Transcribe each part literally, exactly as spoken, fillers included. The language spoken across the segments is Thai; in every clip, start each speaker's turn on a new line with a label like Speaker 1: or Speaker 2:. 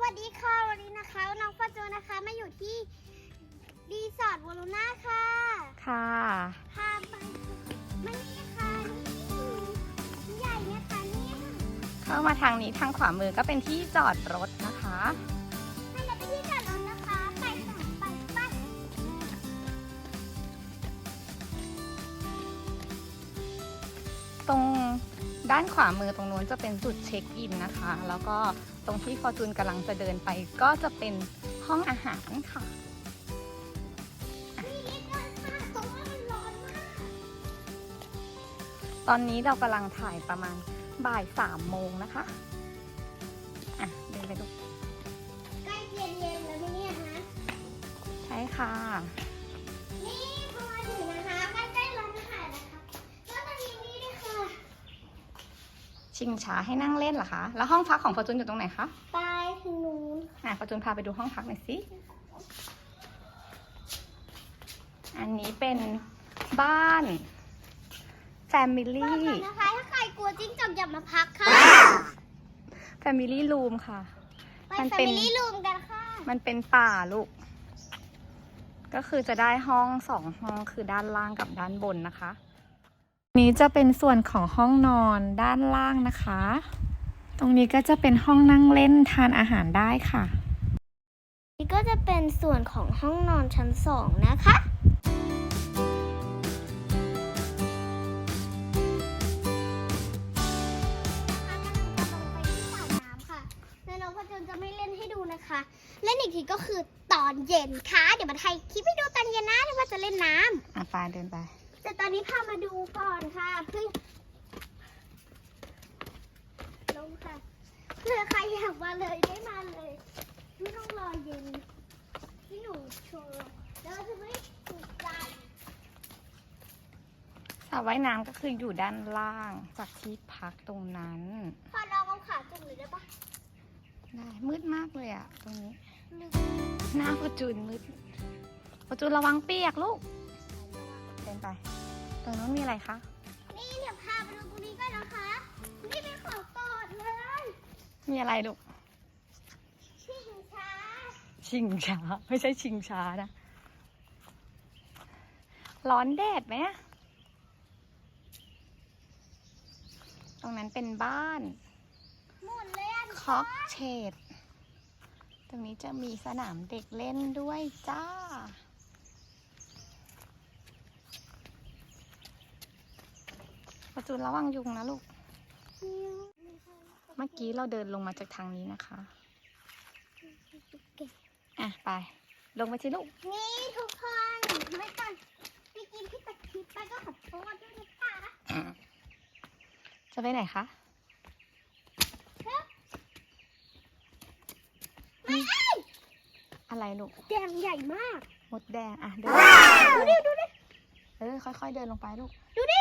Speaker 1: วัสดีค่ะวันนี้นะคะน้องฟาโจนะคะมาอยู่ที่รีสอร์ทวอลูน่าค่ะ
Speaker 2: ค่ะ
Speaker 1: พาไปมานี่ค่ะนี่ใหญ่เนี่ยค่ะนี่
Speaker 2: เข้ามาทางนี้ทางขวามือก็เป็นที่จอดรถนะคะ
Speaker 1: ให้เราไปที่จอดรถนะคะไปค่ะไปไป
Speaker 2: ตรงด้านขวามือตรงนู้นจะเป็นจุดเช็คอินนะคะแล้วก็ตรงที่ฟอร์จูนกำลังจะเดินไปก็จะเป็นห้องอาหารค่ะ
Speaker 1: นี่นิดหน่อยค่ะตรงนั้นมันร้อนมาก
Speaker 2: ตอนนี้เรากำลังถ่ายประมาณบ่ายสามโมงนะคะอ่ะเดินไปดู
Speaker 1: ใกล้เย็นๆแล้วเนี่ยฮะ
Speaker 2: ใช่ค่ะ
Speaker 1: นี่พอมาถึงนะคะใกล้ๆร้านอาหารนะคะก็จะมีนี่ด้วยค่ะ
Speaker 2: ชิงช้าให้นั่งเล่นเหรอคะแล้วห้องพักของฟอร์จูนอยู่ตรงไหนคะ
Speaker 1: ไปถึงนู้น
Speaker 2: อ่ะฟอร์จูนพาไปดูห้องพักหน่อยสิอันนี้เป็นบ้าน Family
Speaker 1: นะคะถ้าใครกลัวจิ้งจอกอย่ามาพักค่ะ
Speaker 2: Family Room ค่ะ
Speaker 1: ไป
Speaker 2: มัน
Speaker 1: แฟ
Speaker 2: เป็น
Speaker 1: มิลี่รูมกันค่ะ
Speaker 2: มันเป็นป่าลูกก็คือจะได้ห้องสองห้องคือด้านล่างกับด้านบนนะคะนี้จะเป็นส่วนของห้องนอนด้านล่างนะคะตรงนี้ก็จะเป็นห้องนั่งเล่นทานอาหารได้ค่ะ
Speaker 1: นี่ก็จะเป็นส่วนของห้องนอนชั้นสองนะคะน้องพจนจะไม่เล่นให้ดูนะคะเล่นอีกทีก็คือตอนเย็นค่ะเดี๋ยวมาถ่ายคลิปให้ดูตอนเย็นนะที่ว่าจะเล่นน้ำ
Speaker 2: อ่ะไปเดินไป
Speaker 1: แต่ตอนนี้พามาดูก่อนค่ะเพื่อลงค่ะเพื่อใครอยากมาเลยได้มาเลยไม่ต้องรอเย็นที่หนูโชว์แล้วจะไม่ถูกใจ
Speaker 2: สระว่ายน้ำก็คืออยู่ด้านล่างจากที่พักตรงนั้น
Speaker 1: พอลองเอาขาจุ่มเลยได้ปะ
Speaker 2: ได้มืดมากเลยอะตรงนี้หน้าฟอร์จูนมืดฟอร์จูนระวังเปียกลูกเดินไปตรงนู้นมีอะไรคะ
Speaker 1: นี่เดี๋ยวพาไปดูตรงนี้ก่อนนะคะนี่เป็นของโปรดเลย
Speaker 2: มีอะไรลูก
Speaker 1: ชิงช้า
Speaker 2: ชิงช้าไม่ใช่ชิงช้านะร้อนแดดไหมตรงนั้นเป็นบ้าน
Speaker 1: หมุนเลยอ่ะ
Speaker 2: คอกเชดตรงนี้จะมีสนามเด็กเล่นด้วยจ้าประจูนระวังยุงนะลูกเมื่อกี้เราเดินลงมาจากทางนี้นะคะอ่ะไปลงไปสิลูก
Speaker 1: นี่ทุกคนไม่ก่อนไปกินที่ตะคิดไปก็ขอโทษด้วยนะคะ
Speaker 2: จะไปไหนคะอะไรลูก
Speaker 1: แดงใหญ่มาก
Speaker 2: มดแดงอ่ะเดิน
Speaker 1: ดูดิดูดิ
Speaker 2: เออค่อยๆเดินลงไปลูก
Speaker 1: ดูดิ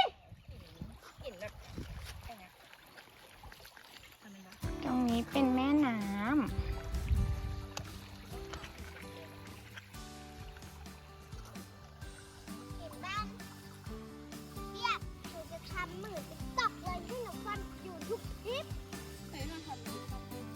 Speaker 2: ตรงนี้เป็นแม่น้ำ
Speaker 1: เห็นบ้านเนี่ยหนูจะทำมือติ๊กต็อกเลยที่หนูฟันอยู่ทุกคลิปไหนลองทำดู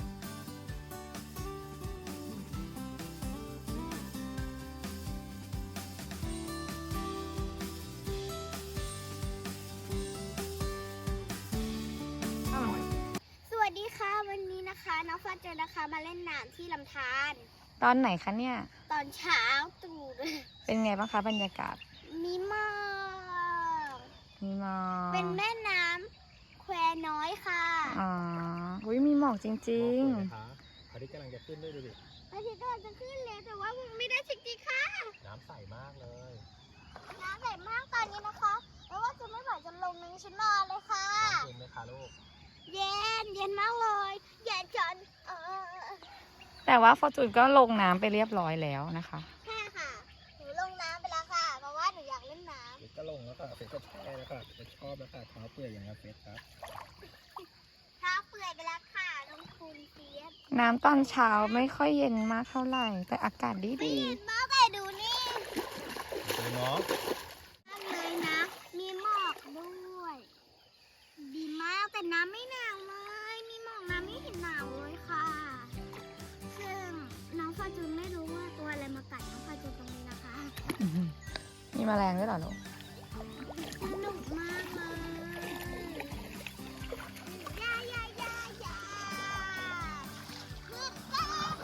Speaker 1: สวัสดีค่ะวันนี้นะคะน้องฟ้าเจอนะคะมาเล่นน้ำที่ลำธาร
Speaker 2: ตอนไหนคะเนี่ย
Speaker 1: ตอนเช้าตรู่
Speaker 2: เป็นไงบ้างคะบรรยากาศ
Speaker 1: มีหมอก
Speaker 2: มีหมอก
Speaker 1: เป็นแม่น้ำแควน้อยค่ะ
Speaker 2: อ๋ออุ้ยมีหมอกจริง
Speaker 3: ๆพระอาทิตย์กำลังจะขึ้นด้วยดูดิ
Speaker 1: พระอาทิตย์กำลังจะขึ้นเลยแต่ว่าไม่ได้จริงๆค่ะ
Speaker 3: น้ำใสมากเลย
Speaker 1: น้ำใสมากตอนนี้นะคะแล้วว่าจะไม่ไหวจะลงนึงฉันนอนเลยค่ะ
Speaker 3: เย็นไหมคะลูก
Speaker 1: เย็นเย็นมากเลยเย็นจนเออ
Speaker 2: แต่ว่าฟอร์จูนก็ลงน้ำไปเรียบร้อยแล้วนะคะ
Speaker 1: ใช่ค่ะหนูลงน้ำไปแล้วค่ะเพราะว่าหนูอยากเล่นน้ำ
Speaker 3: เฟสก็ลงแล้วค่ะเฟสก็แช่แล้วค่ะเฟสชอบแล้วค่ะเท้าเปื่อยอย่างนี้เฟสครับ
Speaker 1: เท้าเปื่อยไปแล้วค่ะลงทุนเฟียส
Speaker 2: น้ำตอนเช้าไม่ค่อยเย็นมากเท่าไหร่แต่อากาศดีดี
Speaker 1: เย็นมากเลยดูนี่
Speaker 3: ดูน้อง
Speaker 1: เลยนะมีหมอกด้วยดีมากแต่น้ำไม่หนาวเลยมีหมอกน้ำไม่เห็นหนาวเลยค่ะส
Speaker 2: แมลงด้วยเหรอลูก
Speaker 1: สนุกมากเลยยายายายาคือก็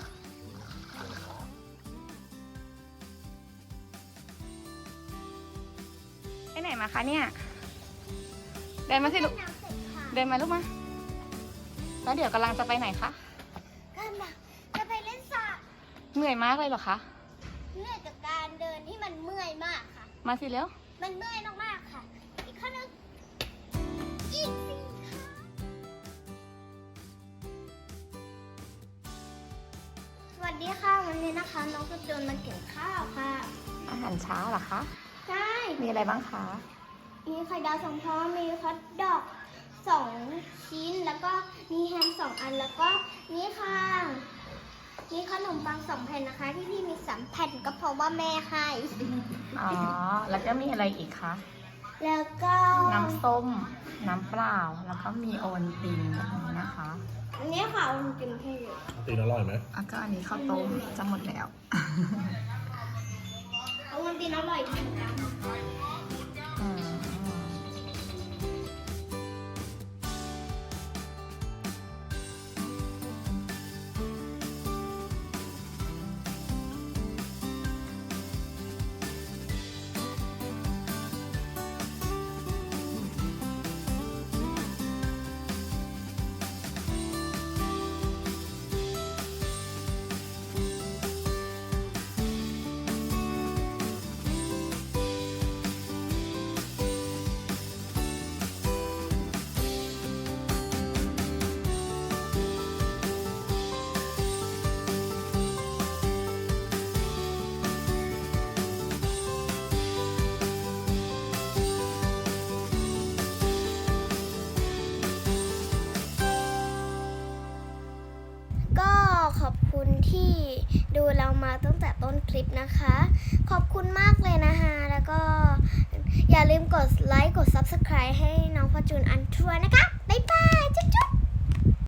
Speaker 2: ไปไหนมาคะเนี่ย เดินมาสิลูก
Speaker 1: น้ำเสร็จค่ะ
Speaker 2: เดินมาลูกมา แล้วเดี๋ยวกำลังจะไปไหนคะ
Speaker 1: กำลังจะไปเล่นสระ
Speaker 2: เหนื่อยมากเลยเหรอคะ
Speaker 1: เหนื่อยจากการเดินที่มันเมื่อยมากค่ะ
Speaker 2: มาสิเร็ว
Speaker 1: มันเมื่อยมากๆค่ะ อีกข้อนึงอีกสี่ค่ะสวัสดีค่ะ วันนี้นะคะ น้องกระโดนมาเก็บข้าวค่ะ
Speaker 2: อาหารเช้าเหรอคะ
Speaker 1: ใช่
Speaker 2: มีอะไรบ้างคะ
Speaker 1: มีไข่ดาวสองฟองมีฮอทดอกสองชิ้น แล้วก็มีแฮมสองอัน แล้วก็นี่ค่ะมีขนมปังสองแผ่นนะคะ ที่พี่มีสามแผ่นก็เพราะว่าแม่ให้
Speaker 2: อ๋อ แล้วก็มีอะไรอีกคะ
Speaker 1: แล้วก็
Speaker 2: น้ำส้ม น้ำเปล่า แล้วก็มีโอวัลตินแบบนี้นะคะ
Speaker 1: อันนี้ค่ะมันกินให้เยอะ
Speaker 3: ตีนอร่อยไหม
Speaker 2: แล้วก็อันนี้ข้าวต้มจะหมดแล้ว
Speaker 1: เอามันกินอร่อยจริงจัง
Speaker 2: อืม
Speaker 1: ก็ขอบคุณที่ดูเรามาตั้งแต่ต้นคลิปนะคะ ขอบคุณมากเลยนะคะ แล้วก็อย่าลืมกดไลค์ กด ซับสไครบ์ ให้น้องพอจูนอันทัวร์นะคะ บ๊ายบาย จุ๊บ